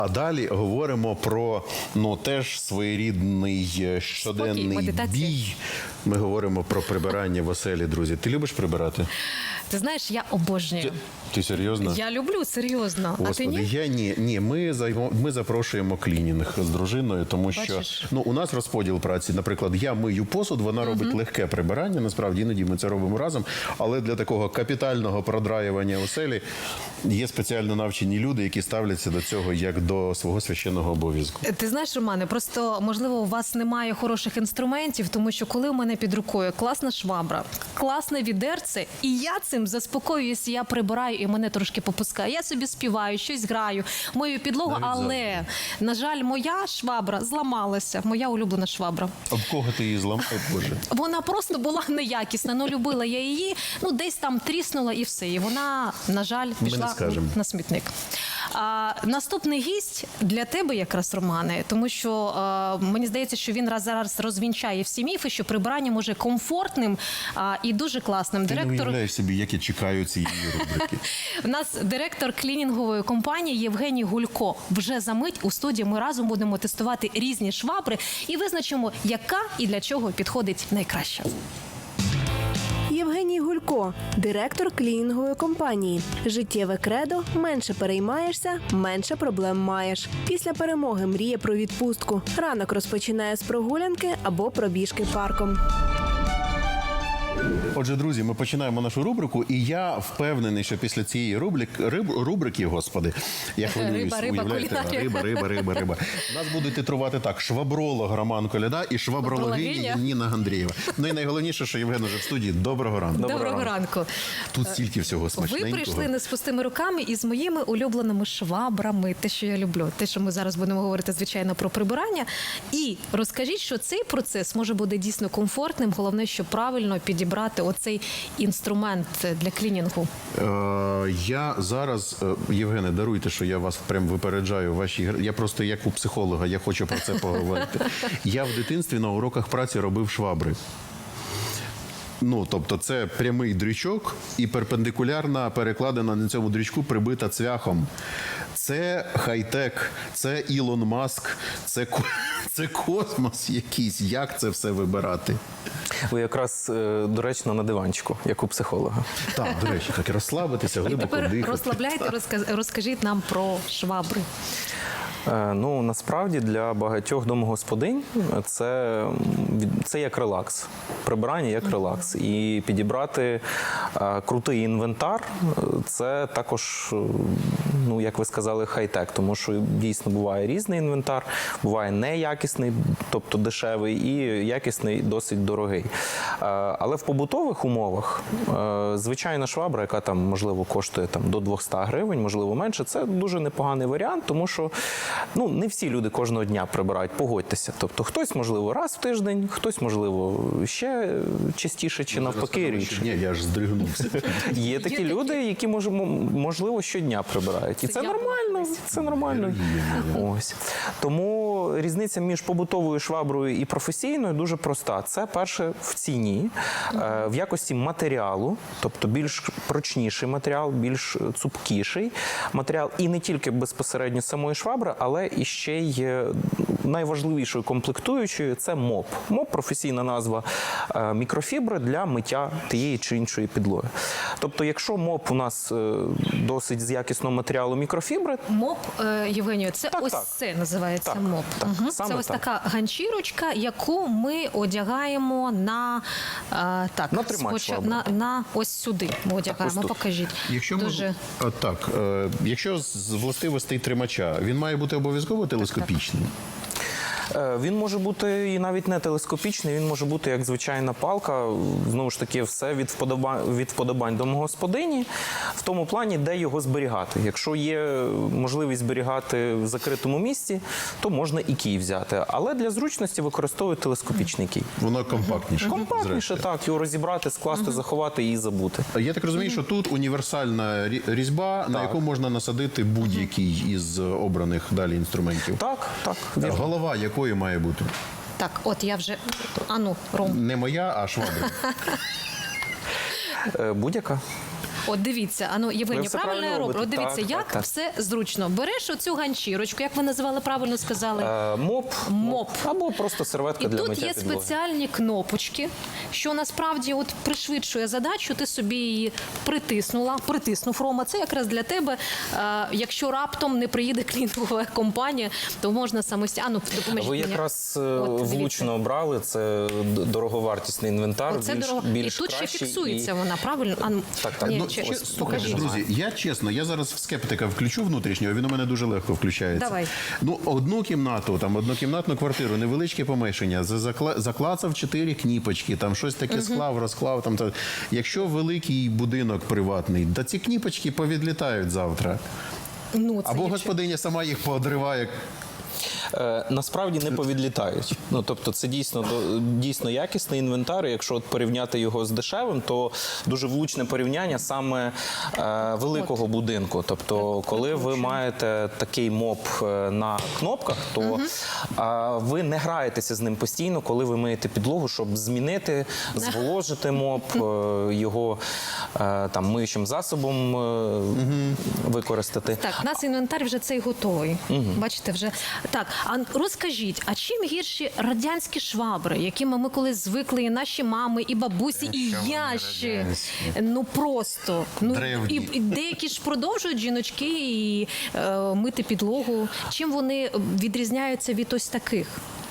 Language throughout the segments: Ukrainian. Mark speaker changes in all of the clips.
Speaker 1: А далі говоримо про, теж своєрідний щоденний бій. Ми говоримо про прибирання в оселі, друзі. Ти любиш прибирати?
Speaker 2: Ти знаєш, я обожнюю.
Speaker 1: Ти серйозно?
Speaker 2: Я люблю, серйозно.
Speaker 1: Господи,
Speaker 2: а ти ні?
Speaker 1: я ні. Ні, ми запрошуємо клінінг з дружиною, тому що
Speaker 2: Бачиш?
Speaker 1: у нас розподіл праці. Наприклад, я мию посуд, вона робить легке прибирання. Насправді, іноді ми це робимо разом. Але для такого капітального продраювання оселі є спеціально навчені люди, які ставляться до цього як до свого священного обов'язку.
Speaker 2: Ти знаєш, Романе, просто, можливо, у вас немає хороших інструментів, тому що коли у мене під рукою класна швабра, класне відерце, і я цим заспокоююся, я прибираю, і мене трошки попускає. Я собі співаю, щось граю, мою підлогу,
Speaker 1: Навіть
Speaker 2: але, на жаль, моя швабра зламалася, моя улюблена швабра.
Speaker 1: А в кого ти її зламав, Боже?
Speaker 2: Вона просто була неякісна, любила я її, десь там тріснула і все. І вона, на жаль, пішла на смітник. Наступний гість для тебе якраз, Романе, тому що мені здається, що він зараз розвінчає всі міфи, що прибирання може комфортним і дуже класним.
Speaker 1: Ти не уявляєш собі, як я чекаю цієї рубрики.
Speaker 2: У нас директор клінінгової компанії Євгеній Гулько. Вже за мить у студії ми разом будемо тестувати різні швабри і визначимо, яка і для чого підходить найкраще.
Speaker 3: Євгеній Гулько, директор клінінгової компанії. Життєве кредо – менше переймаєшся, менше проблем маєш. Після перемоги мріє про відпустку. Ранок розпочинає з прогулянки або пробіжки парком.
Speaker 1: Отже, друзі, ми починаємо нашу рубрику, і я впевнений, що після цієї рубрики, господи, я хвилююсь, уявляєте, риба. Нас будуть титрувати так: швабролог Роман Коляда і швабрологиня Ніна Гандрієва. Ну і найголовніше, що Євген уже в студії. Доброго ранку.
Speaker 2: Доброго ранку.
Speaker 1: Тут стільки всього смачненького.
Speaker 2: Ви прийшли не з пустими руками і з моїми улюбленими швабрами, те, що я люблю, те, що ми зараз будемо говорити, звичайно, про прибирання. І розкажіть, що цей процес може бути дійсно комфортним, головне, що правильно підібрати оцей інструмент для клінінгу.
Speaker 1: Я зараз, Євгене, даруйте, що я вас прям випереджаю в вашій грі. Я просто як у психолога, я хочу про це поговорити. Я в дитинстві на уроках праці робив швабри. Тобто це прямий дрючок і перпендикулярна перекладена на цьому дрючку прибита цвяхом. Це хай-тек, це Ілон Маск, це космос якийсь. Як це все вибирати?
Speaker 4: Ви якраз доречно на диванчику, як у психолога.
Speaker 1: Так, до речі, так і розслабитися, глибоко
Speaker 2: Тепер
Speaker 1: дихати.
Speaker 2: розслабляйте, розкажіть нам про швабри.
Speaker 4: Насправді для багатьох домогосподинь це як релакс. Прибирання як релакс. І підібрати крутий інвентар – це також, як ви сказали, хай-тек. Тому що дійсно буває різний інвентар, буває неякісний, тобто дешевий, і якісний, досить дорогий. Але в побутових умовах звичайна швабра, яка там, можливо, коштує до 200 гривень, можливо, менше, це дуже непоганий варіант, тому що не всі люди кожного дня прибирають, погодьтеся. Тобто хтось, можливо, раз в тиждень, хтось, можливо, ще частіше чи навпаки рідше.
Speaker 1: Ні, я ж здригнувся.
Speaker 4: Є такі люди, які, можливо, щодня прибирають. І це нормально. Це нормально. Ось. Тому різниця між побутовою шваброю і професійною дуже проста. Це, перше, в ціні, в якості матеріалу, тобто більш прочніший матеріал, більш цупкіший матеріал. І не тільки безпосередньо самої швабри, але і ще й найважливішою комплектуючою – це моп. Моп – професійна назва мікрофібри для миття тієї чи іншої підлоги. Тобто, якщо моп у нас досить з якісного матеріалу мікрофібри…
Speaker 2: Моп, Євгенію, це це називається моп. Це ось така ганчірочка, яку ми одягаємо на
Speaker 4: тримач швабри.
Speaker 2: На ось сюди ми одягаємо. Покажіть.
Speaker 1: Якщо з властивостей тримача, він має бути обов'язково телескопічним?
Speaker 4: Він може бути і навіть не телескопічний, він може бути як звичайна палка. Знову ж таки, все від вподобань домогосподині, в тому плані, де його зберігати. Якщо є можливість зберігати в закритому місці, то можна і кій взяти. Але для зручності використовують телескопічний кій.
Speaker 1: Воно компактніше.
Speaker 4: Компактніше, так. Його розібрати, скласти, заховати і забути.
Speaker 1: Я так розумію, що тут універсальна різьба, на яку можна насадити будь-який із обраних далі інструментів.
Speaker 4: Так.
Speaker 1: Голова якої має бути?
Speaker 2: Так, от я вже… Ром.
Speaker 1: Не моя, а швабра.
Speaker 4: Будь-яка.
Speaker 2: От дивіться, Євгенія,
Speaker 4: все
Speaker 2: правильно я
Speaker 4: правильно
Speaker 2: роблю? От
Speaker 4: робите.
Speaker 2: дивіться,
Speaker 4: Так,
Speaker 2: як
Speaker 4: так.
Speaker 2: все зручно. Береш оцю ганчірочку, як ви називали, правильно сказали?
Speaker 4: Моп. Або просто серветка
Speaker 2: І
Speaker 4: для
Speaker 2: тут
Speaker 4: миття
Speaker 2: є
Speaker 4: підлоги.
Speaker 2: спеціальні кнопочки, що насправді от пришвидшує задачу, ти собі її притиснув, Рома, це якраз для тебе. Якщо раптом не приїде клінінгова компанія, то можна самостійно допоможіть
Speaker 4: Ви
Speaker 2: мені.
Speaker 4: якраз
Speaker 2: От, дивіться.
Speaker 4: влучно обрали, це дороговартісний інвентар,
Speaker 2: Оце дорого.
Speaker 4: більш
Speaker 2: І тут ще
Speaker 4: кращий,
Speaker 2: фіксується вона, правильно?
Speaker 4: Так.
Speaker 2: Ні,
Speaker 4: Ну,
Speaker 2: ось,
Speaker 1: Слухайте,
Speaker 2: покажіть.
Speaker 1: друзі, я чесно, я зараз в скептика включу внутрішнього, він у мене дуже легко включається.
Speaker 2: Давай.
Speaker 1: Ну, однокімнатну квартиру, невеличке помешання, заклацав 4 кніпочки, там щось таке склав, розклав. Якщо великий будинок приватний, да ці кніпочки повідлітають завтра.
Speaker 2: Ну, це
Speaker 1: Або
Speaker 2: якщо-
Speaker 1: господиня сама їх поодриває.
Speaker 4: Насправді не повідлітають. Ну, тобто це дійсно якісний інвентар. І якщо от порівняти його з дешевим, то дуже влучне порівняння саме великого будинку. Тобто, коли ви маєте такий моп на кнопках, то ви не граєтеся з ним постійно, коли ви миєте підлогу, щоб змінити, зволожити моп, його там миючим засобом використати.
Speaker 2: Так, у нас інвентар вже цей готовий. Бачите, вже так. А розкажіть, а чим гірші радянські швабри, якими ми колись звикли, і наші мами, і бабусі, і я ще? Ну просто
Speaker 1: Древні.
Speaker 2: і деякі ж продовжують жіночки і мити підлогу. Чим вони відрізняються від ось таких?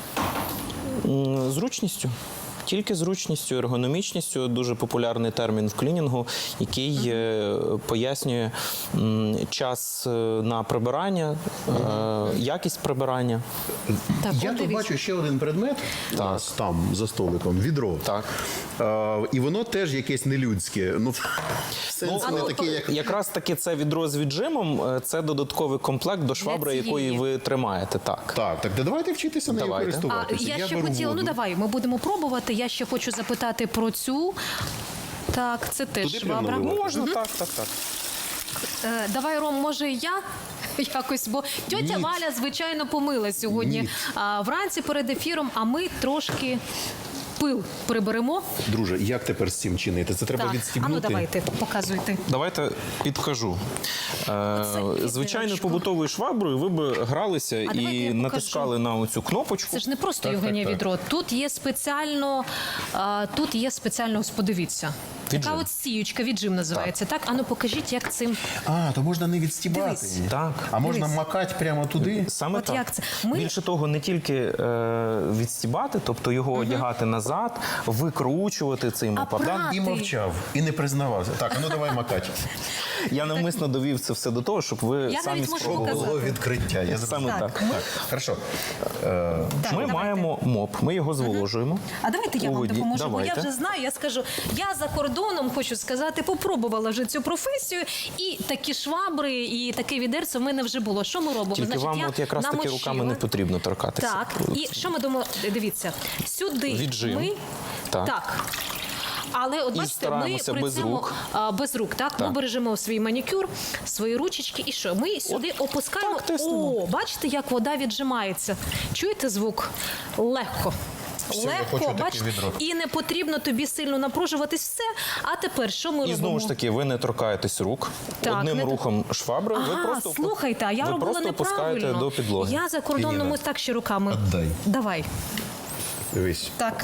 Speaker 4: Зручністю. Тільки зручністю, ергономічністю, дуже популярний термін в клінінгу, який пояснює час на прибирання, якість прибирання.
Speaker 2: Так,
Speaker 1: Я
Speaker 2: от
Speaker 1: тут
Speaker 2: дивіться.
Speaker 1: бачу ще один предмет у нас там за столиком, відро.
Speaker 4: Так.
Speaker 1: І воно теж якесь нелюдське. Ну, сенс не такий, як...
Speaker 4: Якраз таки це відро з віджимом, це додатковий комплект до швабри,
Speaker 2: цієї.
Speaker 4: якої ви тримаєте. Так.
Speaker 1: Так, давайте вчитися нею
Speaker 4: Давайте.
Speaker 1: користуватися.
Speaker 2: Я ще
Speaker 1: беру
Speaker 2: хотіла,
Speaker 1: воду.
Speaker 2: давай, ми будемо пробувати. Я ще хочу запитати про цю. Так, це теж
Speaker 1: Туди прямо
Speaker 2: швабра.
Speaker 1: наливати?
Speaker 4: Можна, так.
Speaker 2: Давай, Ром, може я якось, бо тьотя
Speaker 1: Ні.
Speaker 2: Валя, звичайно, помила сьогодні
Speaker 1: Ні.
Speaker 2: вранці перед ефіром, а ми трошки пил приберемо.
Speaker 1: Друже, як тепер з цим чинити? Це треба
Speaker 2: Так,
Speaker 1: відстібнути?
Speaker 2: давайте, показуйте.
Speaker 4: Давайте підкажу. Звичайно,
Speaker 2: відерочко.
Speaker 4: побутовою шваброю ви б гралися
Speaker 2: давайте
Speaker 4: і
Speaker 2: я покажу.
Speaker 4: натискали на оцю кнопочку.
Speaker 2: Це ж не просто
Speaker 1: Так,
Speaker 2: Євгенія
Speaker 1: так.
Speaker 2: відро. Тут є спеціально, ось подивіться. Така
Speaker 4: Віджим.
Speaker 2: от сіючка, віджим називається. Так, ану покажіть, як цим.
Speaker 1: То можна не відстібати.
Speaker 2: Дивись.
Speaker 4: Так.
Speaker 1: А можна
Speaker 2: Дивись.
Speaker 1: макати прямо туди?
Speaker 4: Саме
Speaker 2: От
Speaker 4: так.
Speaker 2: як це? Ми-
Speaker 4: Більше того, не тільки відстібати, тобто його одягати назад, викручувати цей мопадан.
Speaker 2: прати?
Speaker 1: І мовчав, і не признавався. Так, давай макати.
Speaker 4: Я навмисно довів це все до того, щоб ви
Speaker 2: Я
Speaker 4: самі
Speaker 2: навіть можу
Speaker 4: спробували.
Speaker 2: показати.
Speaker 1: Було відкриття. Я
Speaker 4: Саме
Speaker 2: Так,
Speaker 4: так.
Speaker 2: ми-
Speaker 1: Так, хорошо.
Speaker 2: Так,
Speaker 4: Ми
Speaker 2: давайте.
Speaker 4: маємо моп, ми його зволожуємо.
Speaker 2: А давайте я
Speaker 4: у
Speaker 2: вам
Speaker 4: воді.
Speaker 2: допоможу, бо
Speaker 4: Давайте.
Speaker 2: я вже знаю, я скажу, я за кордоном, хочу сказати, попробувала вже цю професію, і такі швабри, і таке відерце в мене вже було. Що ми робимо?
Speaker 4: Тільки вам
Speaker 2: я
Speaker 4: от якраз таки
Speaker 2: намочила.
Speaker 4: руками не потрібно торкатися.
Speaker 2: Так, і що ми думаємо? Дивіться, сюди
Speaker 4: Віджим.
Speaker 2: ми...
Speaker 4: Так.
Speaker 2: Але от
Speaker 4: І
Speaker 2: бачите, ми
Speaker 4: стараємося
Speaker 2: при
Speaker 4: без
Speaker 2: цьому
Speaker 4: рук.
Speaker 2: без рук, так? Ми бережемо свій манікюр, свої ручечки, і що? Ми сюди опускаємо.
Speaker 4: так, тиснемо.
Speaker 2: Бачите, як вода віджимається. Чуєте звук? Легко.
Speaker 1: Все, я хочу
Speaker 2: Легко,
Speaker 1: таке
Speaker 2: бачите,
Speaker 1: відро.
Speaker 2: і не потрібно тобі сильно напружуватись. Все. А тепер що ми
Speaker 4: І
Speaker 2: робимо?
Speaker 4: знову ж таки, ви не торкаєтесь рук.
Speaker 2: Так,
Speaker 4: Одним
Speaker 2: не тор-
Speaker 4: рухом швабри ви просто
Speaker 2: слухайте, а я
Speaker 4: ви
Speaker 2: робила
Speaker 4: просто опускаєте
Speaker 2: неправильно.
Speaker 4: до підлоги.
Speaker 2: Я за кордоном
Speaker 1: Ірина,
Speaker 2: ось так ще руками.
Speaker 1: отдай.
Speaker 2: Давай.
Speaker 1: Дивись.
Speaker 2: Так.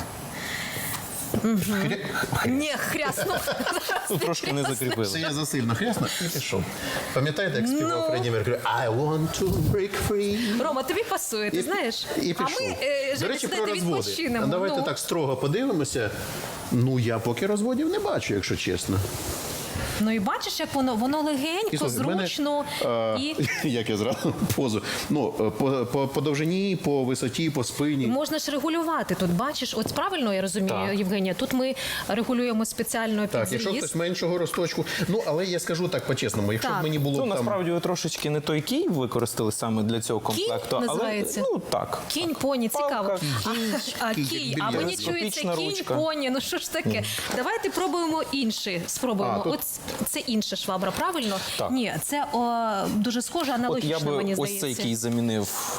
Speaker 2: Ні, хрясно.
Speaker 4: Ну, трошки не
Speaker 1: Це
Speaker 4: закріпили.
Speaker 1: я засильно хрясно і пішов. Пам'ятаєте, як співав Фредді Меркурі? I want to break free.
Speaker 2: Рома, тобі пасує, ти знаєш?
Speaker 1: І
Speaker 2: А
Speaker 1: пішов.
Speaker 2: ми,
Speaker 1: До речі, про розводи.
Speaker 2: відпочинемо.
Speaker 1: Давайте так строго подивимося. Я поки розводів не бачу, якщо чесно.
Speaker 2: Ну і бачиш, як воно легенько,
Speaker 1: слухай, в мене,
Speaker 2: зручно. І
Speaker 1: Як я зразу позу. По довжині, по висоті, по спині.
Speaker 2: можна ж регулювати. Тут бачиш, от правильно я розумію,
Speaker 4: Так.
Speaker 2: Євгенія, тут ми регулюємо спеціально під
Speaker 1: Так, якщо
Speaker 2: зріз.
Speaker 1: хтось меншого росточку. Але я скажу так по-чесному, якщо
Speaker 2: Так.
Speaker 1: б мені було
Speaker 4: Ну,
Speaker 1: б там...
Speaker 4: насправді ви трошечки не той кій використали саме для цього комплекту.
Speaker 2: називається?
Speaker 4: Але, так.
Speaker 2: Кінь, поні, цікаво.
Speaker 4: Палка,
Speaker 2: Кій,
Speaker 1: кій,
Speaker 2: а мені
Speaker 1: більярд.
Speaker 2: чується
Speaker 4: Скопічна
Speaker 2: кінь,
Speaker 4: ручка.
Speaker 2: поні. Ну що ж таке? Давайте пробуємо інший. Спробуємо.
Speaker 1: тут
Speaker 2: От це інша швабра, правильно?
Speaker 4: Так.
Speaker 2: Ні, це дуже схоже,
Speaker 4: От
Speaker 2: аналогічно,
Speaker 4: я би
Speaker 2: мені
Speaker 4: ось
Speaker 2: здається.
Speaker 4: цей, який замінив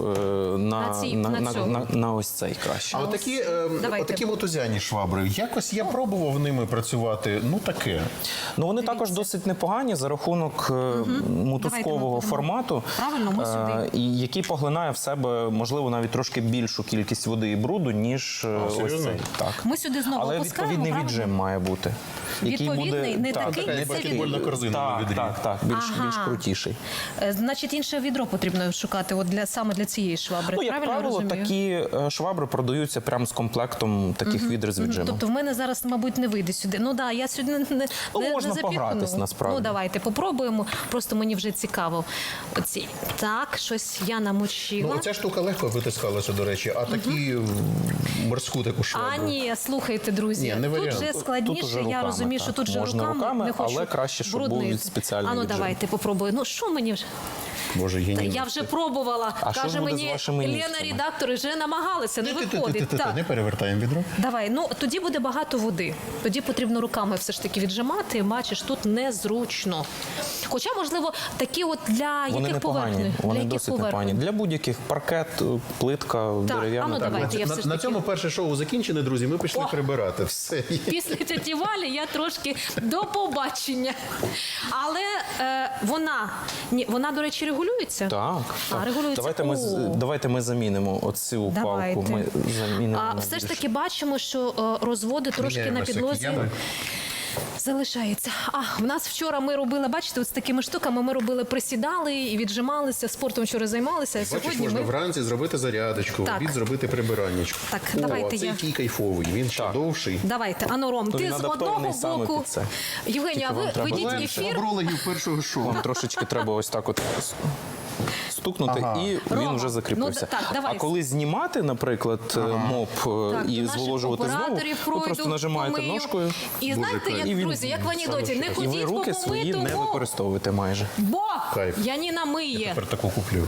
Speaker 4: на ось цей краще.
Speaker 1: А отакі,
Speaker 2: Давайте.
Speaker 1: отакі мотузяні швабри, якось я пробував ними працювати, ну таке.
Speaker 4: Ну вони також досить непогані за рахунок мотузкового
Speaker 2: Давайте ми
Speaker 4: формату,
Speaker 2: Правильно, ми сюди.
Speaker 4: і який поглинає в себе, можливо, навіть трошки більшу кількість води і бруду, ніж ось
Speaker 1: серйозно?
Speaker 4: цей. Так.
Speaker 2: Ми сюди знову
Speaker 4: Але
Speaker 2: опускаємо,
Speaker 4: відповідний
Speaker 2: правильно?
Speaker 4: віджим має бути.
Speaker 2: Відповідний, не
Speaker 4: так,
Speaker 2: такий,
Speaker 1: Така
Speaker 2: це
Speaker 1: баскетбольна корзина на
Speaker 4: Так,
Speaker 1: відрі.
Speaker 4: так, більш крутіший.
Speaker 2: Значить, інше відро потрібно шукати от саме для цієї швабри.
Speaker 4: Ну, як
Speaker 2: правильно
Speaker 4: правило,
Speaker 2: розумію?
Speaker 4: такі швабри продаються прямо з комплектом таких відер з віджимом.
Speaker 2: Тобто в мене зараз, мабуть, не вийде сюди. Ну да, я сюди не
Speaker 4: можна
Speaker 2: запікну.
Speaker 4: погратись, насправді.
Speaker 2: Ну давайте попробуємо. Просто мені вже цікаво. Оці. Так, щось я намочила.
Speaker 1: Ну, ця штука легко витискалася, до речі, а такі морську таку швабру.
Speaker 2: А ні, слухайте, друзі,
Speaker 1: Ні, не
Speaker 2: тут
Speaker 1: варіант.
Speaker 2: вже
Speaker 1: Тут
Speaker 2: складніше.
Speaker 4: уже
Speaker 2: я
Speaker 4: руками,
Speaker 2: розумію,
Speaker 4: так.
Speaker 2: що тут же
Speaker 4: Можна руками,
Speaker 2: не хочу
Speaker 4: але краще, щоб був
Speaker 2: брудний.
Speaker 4: спеціальний
Speaker 2: А ну
Speaker 4: віджим.
Speaker 2: давайте попробую. Ну що мені вже?
Speaker 1: Боже,
Speaker 2: Та
Speaker 1: геній.
Speaker 2: я вже пробувала.
Speaker 4: А що
Speaker 2: Каже
Speaker 4: ж буде з
Speaker 2: мені
Speaker 4: вашими
Speaker 2: Лена,
Speaker 4: ніжками?
Speaker 2: редактори вже намагалися, не виходить. Так.
Speaker 1: Не перевертаємо відро.
Speaker 2: Давай, ну тоді буде багато води. Тоді потрібно руками все ж таки віджимати. Бачиш, тут незручно. Хоча, можливо, такі от для
Speaker 4: Вони
Speaker 2: яких
Speaker 4: непогані,
Speaker 2: поверхень?
Speaker 4: вони
Speaker 2: Для яких
Speaker 4: досить непогані.
Speaker 2: поверхень?
Speaker 4: Для будь-яких паркет, плитка,
Speaker 2: Так,
Speaker 4: дерев'яна.
Speaker 2: а ну
Speaker 4: так.
Speaker 2: давайте. Я все ж
Speaker 1: На
Speaker 2: таки-
Speaker 1: цьому перше шоу закінчене, друзі. Ми пішли
Speaker 2: О!
Speaker 1: прибирати. Все.
Speaker 2: Після тіті Валі я трошки до побачення. Але вона, до речі, регулюється?
Speaker 4: Так, так.
Speaker 2: регулюється.
Speaker 4: Давайте ми замінимо оцю
Speaker 2: Давайте.
Speaker 4: палку. Ми замінимо на
Speaker 2: Все ж
Speaker 4: більш-
Speaker 2: таки бачимо, що розводи трошки на
Speaker 1: Міняємо
Speaker 2: підлозі
Speaker 1: всякі ями.
Speaker 2: залишається. В нас вчора ми робили, бачите, ось такими штуками ми робили, присідали і віджималися, спортом вчора займалися, а
Speaker 1: Бачиш,
Speaker 2: сьогодні
Speaker 1: можна
Speaker 2: ми...
Speaker 1: вранці зробити зарядочку, в
Speaker 2: Так.
Speaker 1: обід зробити прибираннячку.
Speaker 2: Так,
Speaker 1: О,
Speaker 2: давайте
Speaker 1: а це
Speaker 2: я-
Speaker 1: який кайфовий, він ще довший.
Speaker 2: Давайте, ану, Ром,
Speaker 4: То
Speaker 2: ти
Speaker 4: він
Speaker 2: з
Speaker 4: адаптований
Speaker 2: одного
Speaker 4: саме
Speaker 2: боку.
Speaker 4: під це.
Speaker 2: Євгенія,
Speaker 4: Тільки вам
Speaker 2: ви
Speaker 4: треба
Speaker 2: ведіть
Speaker 1: Лен,
Speaker 2: ефір.
Speaker 1: швабрологів першого шоу.
Speaker 4: Вам трошечки треба ось так от стукнути,
Speaker 1: Ага.
Speaker 4: і
Speaker 2: Рома,
Speaker 4: він вже закріпився.
Speaker 2: ну, так, давай.
Speaker 4: А коли знімати, наприклад, моп
Speaker 2: Так,
Speaker 4: і
Speaker 2: до наших
Speaker 4: зволожувати знову,
Speaker 2: операторів
Speaker 4: ви
Speaker 2: пройду,
Speaker 4: просто нажимаєте
Speaker 2: помию.
Speaker 4: ножкою,
Speaker 2: І знаєте,
Speaker 1: кайф.
Speaker 2: як,
Speaker 4: І він
Speaker 2: друзі, як в анекдоті, не
Speaker 4: і ви
Speaker 2: ходіть
Speaker 4: руки
Speaker 2: по
Speaker 4: свої не
Speaker 2: помитому,
Speaker 4: використовуєте майже.
Speaker 2: бо
Speaker 1: Кайф.
Speaker 2: Яніна миє.
Speaker 1: Тепер таку куплю.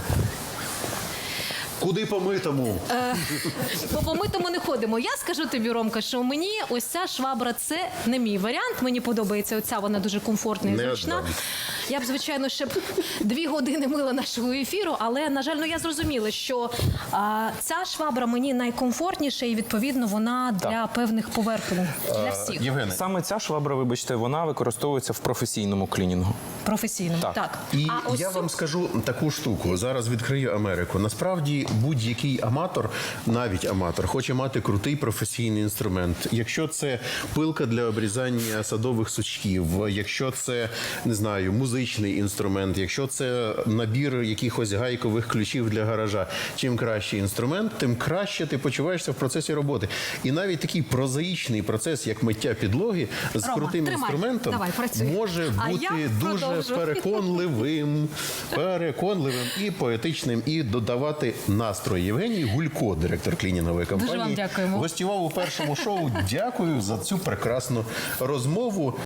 Speaker 1: Куди помитому?
Speaker 2: По помитому не ходимо. Я скажу тобі, Ромка, що мені ось ця швабра – це не мій варіант. Мені подобається оця, вона дуже комфортна і
Speaker 1: Не
Speaker 2: зручна.
Speaker 1: віддам.
Speaker 2: Я б, звичайно, ще б 2 години мила нашого ефіру, але, на жаль, я зрозуміла, що ця швабра мені найкомфортніша і, відповідно, вона для певних поверхень, для всіх.
Speaker 1: Євгене,
Speaker 4: Саме ця швабра, вибачте, вона використовується в професійному клінінгу.
Speaker 2: Професійним.
Speaker 4: Так.
Speaker 2: Так.
Speaker 1: і
Speaker 2: А ось
Speaker 1: я
Speaker 2: цю-
Speaker 1: вам скажу таку штуку. Зараз відкрию Америку. Насправді будь-який аматор, навіть аматор, хоче мати крутий професійний інструмент. Якщо це пилка для обрізання садових сучків, якщо це, не знаю, музичний інструмент, якщо це набір якихось гайкових ключів для гаража, чим кращий інструмент, тим краще ти почуваєшся в процесі роботи. І навіть такий прозаїчний процес, як миття підлоги, з
Speaker 2: Рома,
Speaker 1: крутим
Speaker 2: тримай.
Speaker 1: інструментом
Speaker 2: Давай, працюй.
Speaker 1: може
Speaker 2: А
Speaker 1: бути
Speaker 2: я
Speaker 1: дуже
Speaker 2: продовжу.
Speaker 1: переконливим і поетичним, і додавати настрої. Євгеній Гулько, директор клінінгової компанії,
Speaker 2: вам дякуємо.
Speaker 1: гостював у першому шоу. Дякую за цю прекрасну розмову.